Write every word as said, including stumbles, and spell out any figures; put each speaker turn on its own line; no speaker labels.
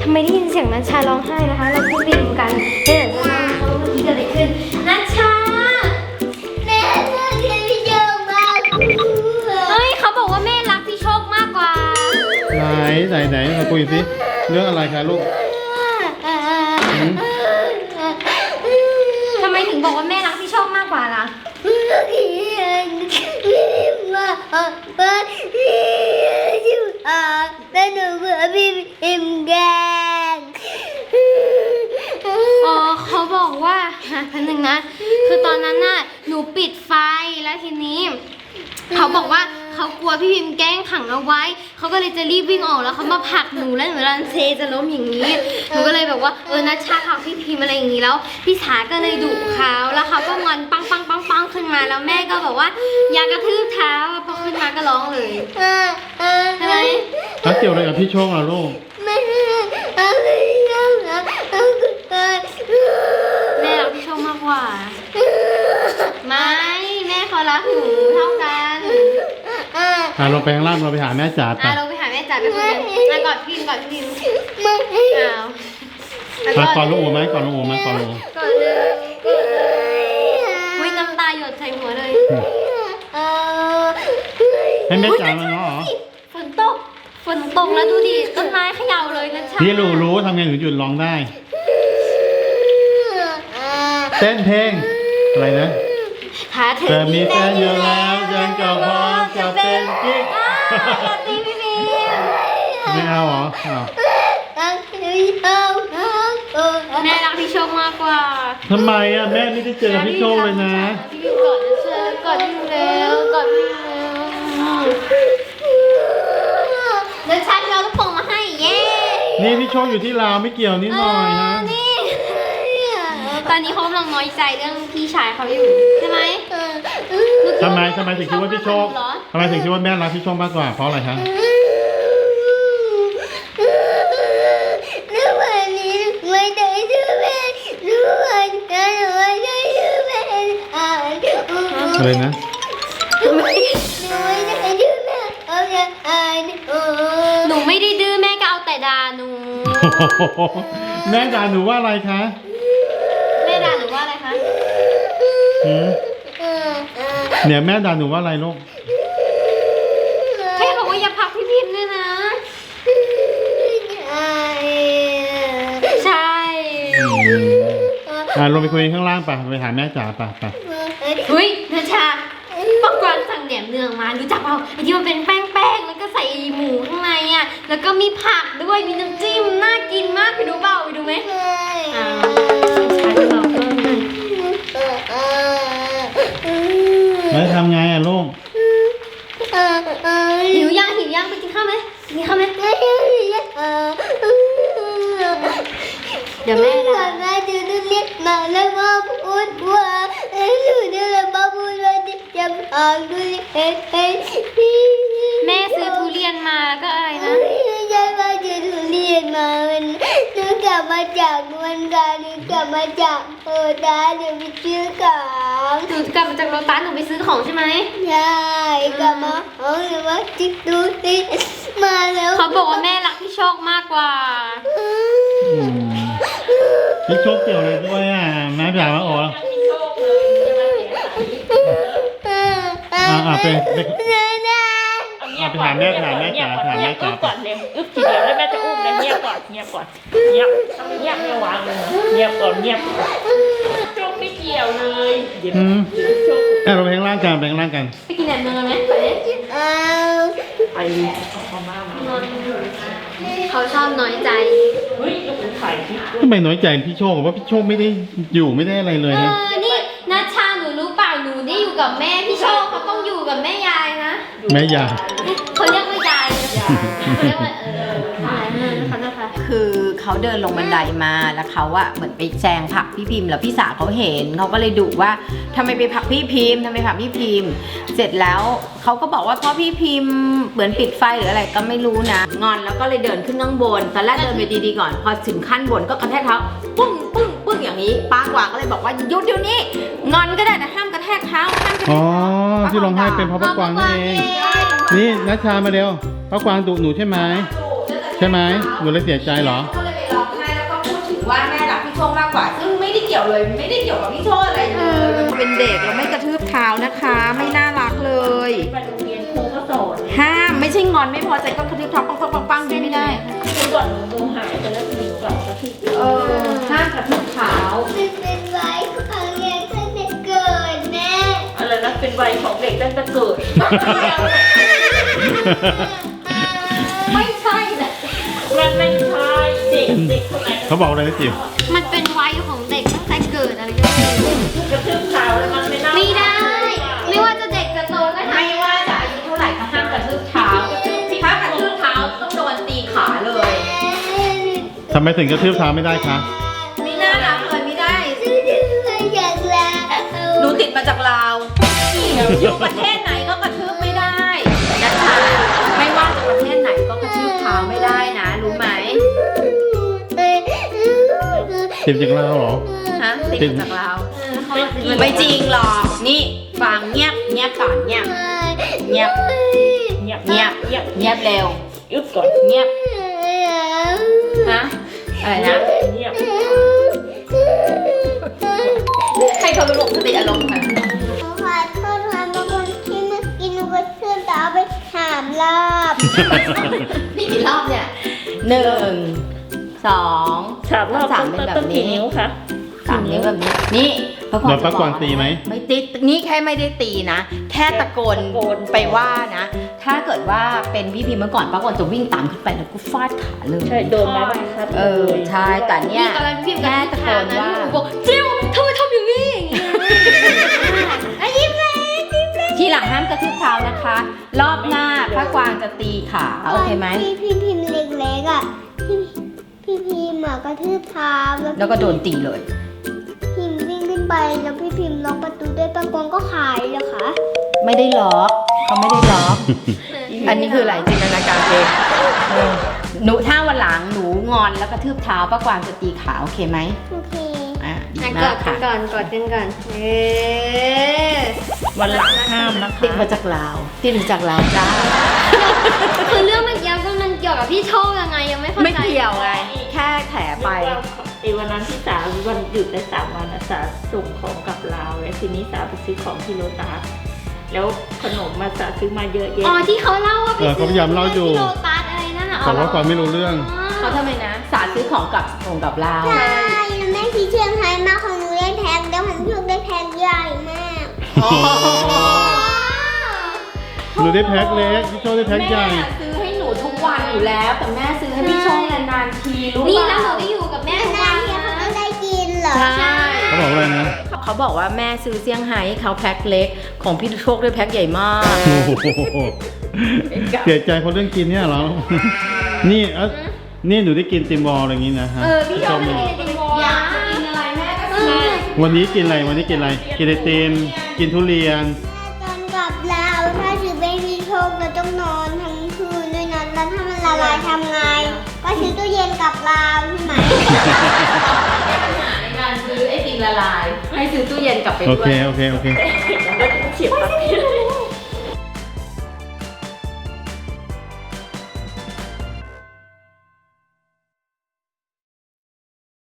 ทำไมได้ยินเสียงนัชชาร้องไห้นะคะเราพูดไปดูกันเดี๋ยวจะมาเขาเมื่อกี้เกิดอะไรขึ้นนัชชาแม่รักพี่โชคมากเฮ้ยเขาบอกว่าแม่รักพี่โชคมากกว่า
ไหนไหนไหนมาคุยสิเรื่องอะไรคะลูก
ทำไมถึงบอกว่าแม่รักพี่โชคมากกว่าล่ะ
แล้วหนูเบื่อพี่พิมแกง
อ๋อเขาบอกว่าพันหนึ่งนะคือตอนนั้นน่ะหนูปิดไฟแล้วทีนี้เขาบอกว่าเขากลัวพี่พิมแกล้งขังเอาไว้เขาก็เลยจะรีบวิ่งออกแล้วเขามาผลักหนูแล้วหนูรันเซจะล้มอย่างนี้หนูก็เลยแบบว่าเออนัชชาผลักพี่พิมอะไรอย่างนี้แล้วพี่สาก็เลยดุเขาแล้วเขาก็งอนปังปังปังปังขึ้นมาแล้วแม่ก็บอกว่าอย่ากระทืบเท้าพอขึ้นมาก็ร้องเลยใช่ไหม
แล้วเกี่ยวอะไรกับพี่โชคล่ะลูก
แม่รักพี่โชคมากกว่าไม่แม่เขารักหนูเท่ากัน
อ่าลงไปข้างล่างเราไปหาแม่จ๋าไป
อ่าลงไปหาแม่จ๋าไปคุยกันมากอดพิมกอดพิมอ้าว
กอดลูกโอไหมกอดลูกโอไหมกอดลูก
กอดเลยวิ่งน้ำตาหยดใส่หัวเลย
ให้แม่จ๋ามาเนาะ
ฝนตกฝนตกแล้วดูดิต้นไม้เขย่าเลยนะชา
พี่รู้รู้ทำไงถึงหยุดร้องได้เต้นเพลงอะไรนะเธอมีแฟนอยู่แล้วยังก็พร้อมจะเป็นกิ๊ก
ตีพี่พี
ไม่เอาเหรอ
แม่รักพี่โชคมากกว่า
ทำไมอ่ะแม่ไม่ได้เจอพี่โชคเลยนะ
พี่กอดเชิญกอดพี่แล้วกอดพี่แล้วเดี๋ยวฉันเอาลูกโป่งมาให้เย้
นี่พี่โชคอยู่ที่ลาวไม่เกี่ยวนิดหน่อยนะ
ตอนนี้เขากำลังน้อยใจเรื่องพี่ชายเขาอยู่ใช่ไหม
ทำไมทำไมถึงคิดว่าพี่โชคทำไมถึงคิดว่าแม่รักพี่โชคมากกว่าเพราะอะไรคะ
รู้วันนี้ไม่ได้ชื่อแม่รู้วันนั้นไม่ได้ชื่อแม่อ่าน
อะไรนะ
หนูไม่ได้ดื้อแม่เอาแต่อ่าน
หนูไม่ได้ดื้อแม่ก็เอาแต่ด่าหนู
แม่ด่าหนูว่าอะไรคะ
แม่ด่าหนูว่าอะไรคะ
เนี่ยแม่ด่าหนูว่าอะไรลูก
แค่บอกว่าอย่าพักพี่พิมพ์ด้วยนะใช่
อ่าลงไปคุยข้างล่างป่ะไปหาแม่จ๋าป่ะป่ะ
เฮ้ยนัชชาปอกกวนสั่งแหนมเนืองมารู้จักเปล่าไอ้ที่มันเป็นแป้งๆแล้วก็ใส่หมูข้างในอ่ะแล้วก็มีผักด้วยมีน้ำจิ้มน่ากินมากไปดูเปล่าไปดูไหมอ่า
แล้วทำไงอ่ะลูก
หิวย่างหิวย่างไปกินข้าวไหมกินข้าวไหมเดี๋ยวแม่นะ
แม่จะเรียกมาแล้วมาพูดว่าหนูจะมาพูดว่าจะพาดูเอ็นเอ็น
แม่ซื้อทุเรียนมาก็อะไรนะ
ใช่ว่าจะทุเรียนมามันหนูกลับมาจากวันการหนูกลับมาจากโอดาหนูไปซื้อของ
หนูกลับมาจากโรตัสหนูไปซื้อของใช่ไหม
ใช่กลับมาเอาหนูมาจิกดูสิมาแล้ว
เขาบอกว่าแม่รักพี่โชคมากกว่า
พี่โชคเกี่ยวอะไรด้วยอ่ะแม่จ๋ามาโอ้อ่าอ่าไปไปอ่าไปหาแม่หาแม่จ๋าหาแม่จ๋า
ก่อนเลยอึ๊บทีเดียวแล้วแม่จะอุ้มเลยเงียบก่อนเงียบก่อนเงียบเงียบไม่วางเลยเงียบก่อนเงียบโชคไม่เกี่ยวเลย
อืมแม่เราไปข้างล่างกันไปข้างล่างกัน
ไปกินแหนมเนืองไหมไป
ไปเขามา
เขาชอบน้อยใจ
เฮ้ยลูกไข่
ทำไมน้อยใจพี่โชคว่าพี่โชคไม่ได้อยู่ไม่ได้อะไรเลยนะ
นี่นัชชาหนูรู้เปล่าหนูได้อยู่กับแม่พี่โชคเขาต้องอยู่กับแม่ยายนะ
แม่ยาย
เขาเรียกว่ายายเขาเรียกว่าเออเขานะคะ
คือเขาเดินลงบันไดมาแล้วเขาอะเหมือนไปแซงผลักพี่พิมพ์แล้วพี่สาวเขาเห็นเขาก็เลยดุว่าทำไมไปผลักพี่พิมพ์ทำไมผลักพี่พิมพ์เสร็จแล้วเขาก็บอกว่าเพราะพี่พิมพ์เหมือนปิดไฟหรืออะไรก็ไม่รู้นะงอนแล้วก็เลยเดินขึ้นข้างบนตอนแรกเดินไปดีๆก่อนพอถึงขั้นบนก็กระแทกเท้าปึ้งปึ้งปึ้งอย่างนี้ป้ากว่าก็เลยบอกว่าหยุดเดี๋ยวนี้งอนก็ได้แต่ห้ามกระแทกเท้าห้ามกระแทก
อ๋อที่ร้องไห้เป็นเพราะป้ากวางนั่นเองนี่นัชชามาเร็วป้ากวางดุหนูใช่ไหมใช่ไหมหนูเลยเสียใจเหรอ
ว่าแม่รักพี่โชคมากกว่า ซึ่งไม่ได้เกี่ยวเลยไม่ได้เกี่ยวกับพี่โชคอะไรเลยมันเป็นเด็กเราไม่กระทืบเท้านะคะ ไม่น่ารักเลย
ไปโรงเรียนครูก็สอน
ห้ามไม่ใช่งอนไม่พอใจก็กระทืบเท้าปังปังปังปังไม่ได้
คือก่อนหนูดูหายไปแล้วหนูกลับมาที่
เออห้ามกระทืบเท้า
มันเป็นไว้ของเรียนตั้งแต่เกิดแม่
อะไรนะเป็นวัยของเด็กตั้งแต่เกิด
ไม่ใช่นะ
มันไม่ใช่เด็กเด็กคนไหน
เขาบอกอะไรนะจิ๋ว
มันเป็นวัยของเด็กตั้งแต่เกิดอะไรก็ไม่รู้
กระทืบเท้าแล้วมันไม่น่า
ไม่ได้ ไม่ว่าจะเด็กจะโตก็ทำ
ไม่ว่าจะอายุเท่าไหร่ก็ห้ามกระทืบเท้าถ้ากระทืบเท้าต้องโดนตีขาเลย
ทำไมถึงกระทืบเท้าไม่ได้คะ
ไม่น่ารักเลยไม่ได้
อยากลา
หนูติดมาจากลาวอยู่ประเทศไหนก็กระทืบไม่ได้นะคะไม่ว่าจะประเทศไหนก็กระทืบเท้าไม่ได้นะ รู้ไหม
ติดจากเราเหรอ
ฮะติดมาจากลาวไม่จริงหรอกนี่ฟังเงียบเงียบก่อนเงียบเงียบ
เงียบ
เงียบ
เงียบ
เงียบเร็ว
อึบก่อน
เงียบฮะอะไรนะ
เงียบ
ให้เขาสงบสติอารมณ์ค่ะ
ขอโทษค่ะบางคนที่เมื่อกี้หนูก็เชื่อแต่เอาไปถามรอบ
นี่กี่รอบเนี่ยหนึ่งสอง
สามรอบ
สาม
ต้
เป็น
น
แบบ
ต้น
นี้
กี่นิ้วคะ
สามนิ้วแบบนี้ นี่พระพร
โดนป้ากวางตีไหม
ไม่ตีนี่แค่ไม่ได้ตีนะ แค่ตะโกนไปว่านะ ถ้าเกิดว่าเป็นพี่พิมพ์เมื่อก่อนป้ากวางจะวิ่งตามขึ้นไปแล้วก็ฟาดขาเลย
ใช่โดนไม้บรรทัด
เออใช่แต่เนี่ย
นี่ตอนนั้นพี่พิมพ์
แค่
กับ
ตะ
พี่
โก
ถาม
น
นะ
ว่า
หนูบอกจิวทำไมทำอย่างนี้อย่างเงี้ยไอ้ยิ้มเลยยิ้มเลย
ทีหลังห้ามกระทืบเท้านะคะ รอบหน้าพระกวางจะตีขาโอเคไหม
พี่พี่พิมพ์เล็กๆอ่ะพี่พี่พิมพ์อ่ะกระทืบเท้า
แล้วก็โดนตีเลย
พิมพ์วิ่งขึ้นไปแล้วพี่พิมพ์ล็อกประตูด้วยประกวงก็ขายเลยค่ะ
ไม่ได้ล็อกเขาไม่ได้ล็อก อันนี้คืออะไรจินตนาการเองเออหนูถ้าวันหลังหนูงอนแล้วกระทืบเท้าป้ากวางจะตีขาโอเคไหม
โอเค
อ่ะดี
อ่ะก
มา
อก ดกั
ค่ะ
นก่อนกอดกันก่อนเออ
วันหลังห้ามนะคะ
ติดมาจากลาวติดมาจากลาวจ้า
คือเรื่องเมื่อกี้ก็มันเกี่ยวกับพี่โชคยังไงยังไม่เข้าใจ
ไม่เกี่ยวไงแค่แถไป
ไอ้วันนั้นที่สาวันหยุดได้สามวันนะสาส่งของกลับลาวแล้วทีนี้สาไปซื้อของที่โลตัสแล้วขนมมาสาซื้อมาเยอะแยะ
อ๋อที่เขาเล่าว่าไป
เออเขาพยายามเล่าอยู่
ที่โลตัสอะไรนั่นน่ะ
แต่ว่าความไม่รู้เรื่อง
เขาทำไมนะสาซื้อของกับของกับลาว
ใช่แล้วแม่ที่เชียงไฮ้มาของหนูได้แพ็คแล้วของพี่ลูกได้แพ็คใหญ่มาก
หนูได้แพ็คเล็กพี่โชคได้แพ็คใหญ่
แม่ซื้อให้หนูทุกวันอยู่แล้ว แต่แม่ซื้อให้พี่โชคนานๆทีรู้
นี่
เป
แล้ว
ล่า
หนูได้อยู่กับแม่ทุก
นา
วัน
นๆที
นะ
เขาก็ได้กินเหรอ
ใช่
เขาบอกอะไรนะ
เขาบอกว่าแม่ซื้อเซี่ยงไฮ้ให้เขาแพ็คเล็กของพี่โชคด้วยแพ็คใหญ่มาก
โอ้โหเสียใจเพราะเรื่องกินเนี่ยเหรอ นี่เอ้านี่หนูได้กินติมบอลอะไรอย่างงี้นะฮะ
เออพี่โชคไม่ได้กินบอล
อยา
นะ
กกินอะไรแม่ก็ซื้อ
วันนี้กินอะไร วันนี้กินอะไร กินไอติม กินทุเรียน
ตอนกลับลาวถ้าถือเป็นพี่โชคเราต้องนอนทั้งคืนด้วยนะแล้วถ้ามันละลายทำไง ก็ซื้อตู้เย็นกลับลาวใช่ไหม
ในการซื้อไอติมละลาย ให้ซื้อตู้เย็นกลับไป
โอ
ด้ว
เค
ย
โอเค โอเค
แล้วเฉียบปาก